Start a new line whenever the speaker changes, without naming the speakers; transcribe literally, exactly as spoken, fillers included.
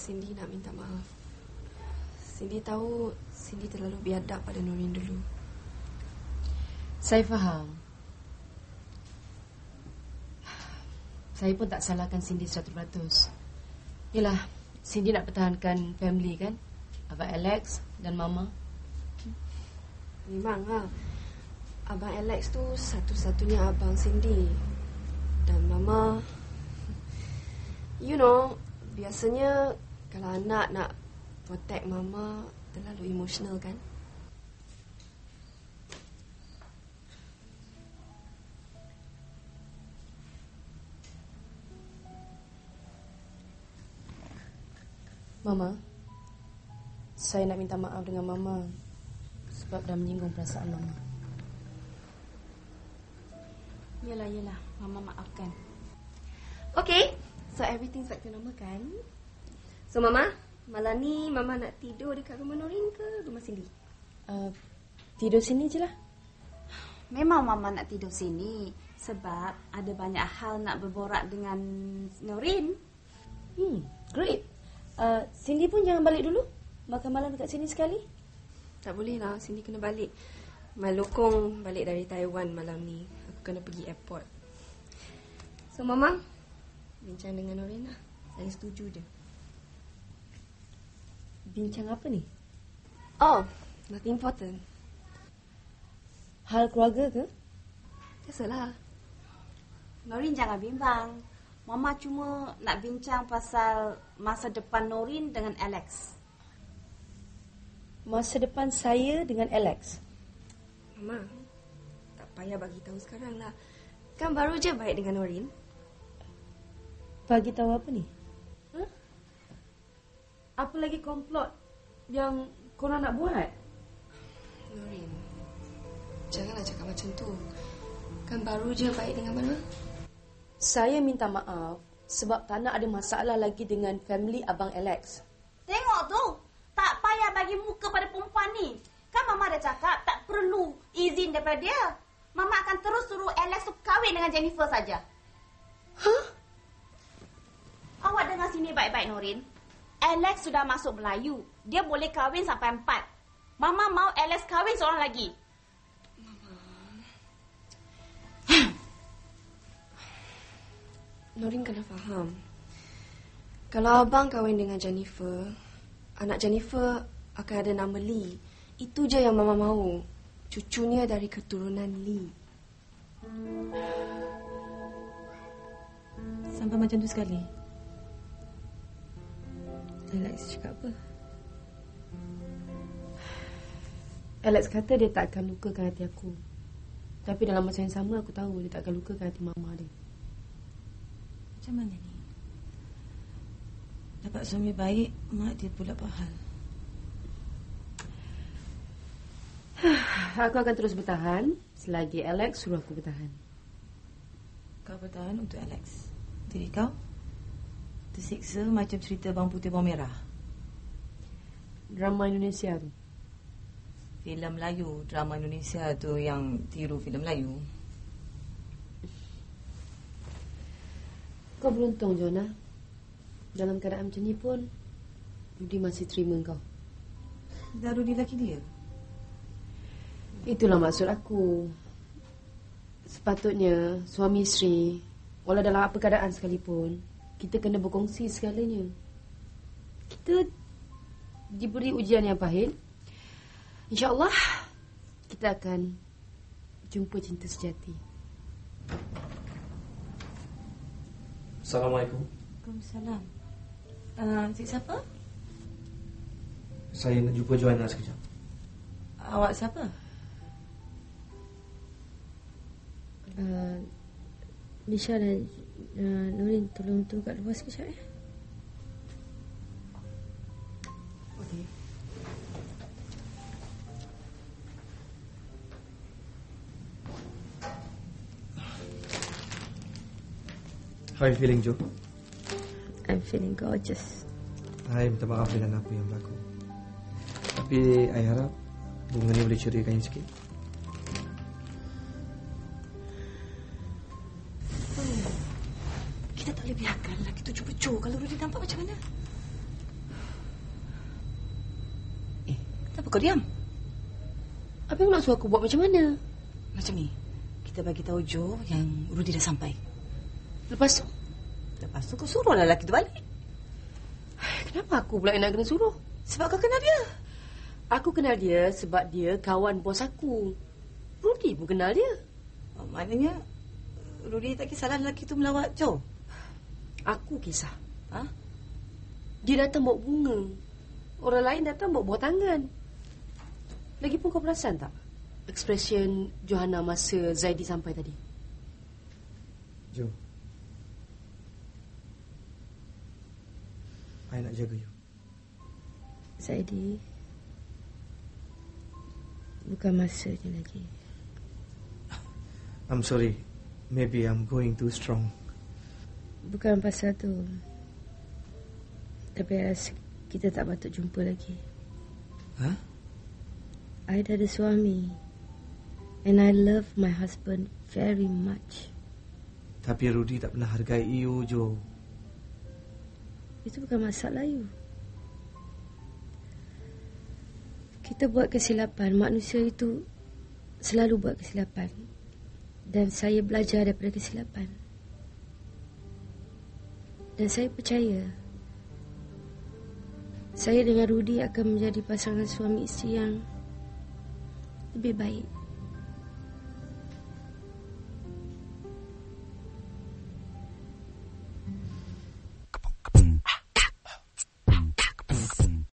Cindy nak minta maaf. Cindy tahu Cindy terlalu biadab pada Norin dulu.
Saya faham. Saya pun tak salahkan Cindy seratus peratus. Yelah, Cindy nak pertahankan family kan? Abang Alex dan Mama.
Memanglah. Abang Alex tu satu-satunya abang Cindy. Dan Mama, you know, biasanya kalau anak nak protect Mama terlalu emosional kan?
Mama, saya nak minta maaf dengan Mama sebab dah menyinggung perasaan Mama.
Yelah, yelah. Mama maafkan.
Okay, so everything's back to normal kan? So Mama, malam ni Mama nak tidur dekat rumah Norin ke rumah Cindy?
Uh, tidur sini je lah.
Memang Mama nak tidur sini sebab ada banyak hal nak berborak dengan Norin.
Hmm, great. Uh, Cindy pun jangan balik dulu. Makan malam dekat sini sekali.
Tak boleh lah, Cindy kena balik. Malokong balik dari Taiwan malam ni. Aku kena pergi airport. So Mama, bincang dengan Norin lah. Saya setuju je.
Bincang apa ni?
Oh, nothing important.
Hal keluarga ke?
Biasalah.
Norin jangan bimbang. Mama cuma nak bincang pasal masa depan Norin dengan Alex.
Masa depan saya dengan Alex?
Mama, tak payah bagi tahu sekarang lah. Kan baru je baik dengan Norin.
Bagi tahu apa ni? Huh? Apa lagi komplot yang korang nak buat?
Norin, janganlah cakap macam tu. Kan baru je baik dengan mana?
Saya minta maaf sebab tak nak ada masalah lagi dengan family Abang Alex.
Tengok tu, tak payah bagi muka pada perempuan ni. Kan Mama dah cakap tak perlu izin daripada dia. Mama akan terus suruh Alex tu kahwin dengan Jennifer saja.
Hah?
Awak dengar sini baik-baik Norin. Alex sudah masuk Melayu. Dia boleh kahwin sampai empat. Mama mau Alex kahwin seorang lagi.
Norin kena faham. Kalau abang kahwin dengan Jennifer, anak Jennifer akan ada nama Lee. Itu je yang Mama mahu. Cucunya dari keturunan Lee.
Sampai macam tu sekali. Alex cakap apa? Alex kata dia tak akan lukakan hati aku. Tapi dalam masa yang sama aku tahu dia tak akan lukakan hati Mama dia. Macam mana ni? Dapat suami baik, mak dia pula pahal. Aku akan terus bertahan selagi Alex suruh aku bertahan. Kau bertahan untuk Alex. Jadi kau tersiksa macam cerita Bang Putih Bawang Merah. Drama Indonesia tu.
Filem Melayu. Drama Indonesia tu yang tiru filem Melayu.
Kau beruntung, Jonah. Dalam keadaan macam ni pun Rudy masih terima kau.
Dah Rudy laki dia?
Itulah maksud aku. Sepatutnya suami isteri, walau dalam apa keadaan sekalipun, kita kena berkongsi segalanya. Kita diberi ujian yang pahit. InsyaAllah kita akan jumpa cinta sejati.
Assalamualaikum.
Waalaikumsalam. Uh, Cik siapa?
Saya nak jumpa Joanna sekejap.
Awak siapa? Uh, Nisha dan uh, Norin, tolong tunggu kat luar sekejap ya. Okey.
How are you feeling, Jo?
I'm feeling gorgeous.
Saya minta maaf dengan apa yang berlaku. Tapi saya harap bunga ni boleh ceriakan sikit.
Kita tak boleh biarkan lelaki tu cuba-cuba. Kalau Rudy nampak macam mana?
kau diam.
Apa yang nak suruh aku buat macam mana?
Macam ni. Kita bagi tahu Joe yang Rudy dah sampai.
Lepas tu?
Lepas tu kau suruh lelaki tu balik.
Kenapa aku pula yang nak kena suruh?
Sebab kau kenal dia.
Aku kenal dia sebab dia kawan bos aku. Rudy pun kenal dia.
Oh, maknanya Rudy tak kisahlah lelaki tu melawat Joe.
Aku kisah.
Ha?
Dia datang bawa bunga. Orang lain datang bawa buah tangan. Lagipun kau perasan tak ekspresyen Johanna masa Zaidi sampai tadi?
Jo, I nak jaga you.
Zaidi, bukan masanya lagi.
I'm sorry. Maybe I'm going too strong.
Bukan pasal tu. Tapi I rasa kita tak patut jumpa lagi.
Ha?
I dah ada suami. And I love my husband very much.
Tapi Rudy tak pernah hargai you, Jo.
Itu bukan masalah you. Kita buat kesilapan. Manusia itu selalu buat kesilapan. Dan saya belajar daripada kesilapan. Dan saya percaya saya dengan Rudy akan menjadi pasangan suami isteri yang lebih baik.